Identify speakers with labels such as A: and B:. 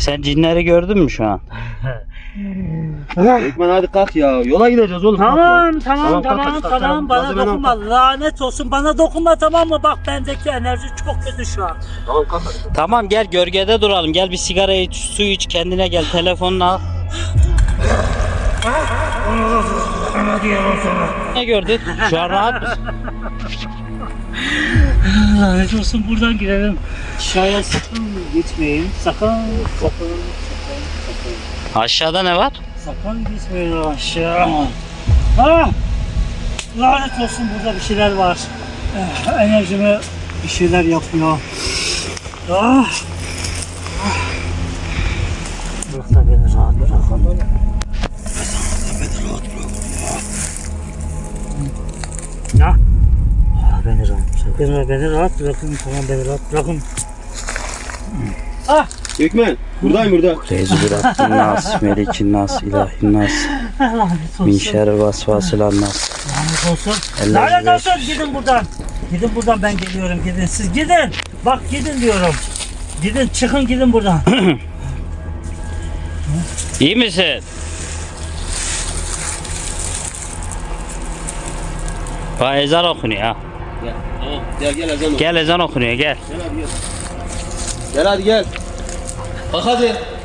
A: Sen cinleri gördün mü şu an?
B: Ekmen hadi kalk ya. Yola gideceğiz oğlum.
C: Tamam. Bana dokunma. Lanet olsun. Bana dokunma, tamam mı? Bak bendeki enerji çok kötü şu an.
B: Tamam kalk hadi.
A: Tamam gel gölgede duralım. Gel bir sigara iç, su iç, kendine gel. Telefonunu al. Ne gördün? Şu an rahat mısın?
C: Lanet olsun, buradan girelim. Aşağıya sakın gitmeyin. Sakın.
A: Aşağıda ne var?
C: Sakın gitmeyin aşağı. Ah! Lanet olsun, burada bir şeyler var. Enerjime bir şeyler yapıyor. Ah! Bırak da beni rahat bırak. Ya? Beni rahat bırakın. Tamam, beni rahat bırakın. Ah!
B: Ekmen buradayım burada.
A: Rezbirattin nas, melikin nas, ilahin nas,
C: Lanet
A: min
C: olsun.
A: şerri vasvasılan nas.
C: Lanet olsun.
A: Eller
C: Lanet
A: güzel.
C: olsun. Gidin buradan. Gidin buradan, ben geliyorum. Gidin. Siz gidin. Bak gidin diyorum. Gidin, çıkın, gidin buradan.
A: İyi misin? Bak ezan okunuyor ha.
B: Gel. Tamam. Gel ezan.
A: Gel ezan okunuyor gel.
B: Gel hadi gel. Gel hadi gel. Kalk hadi.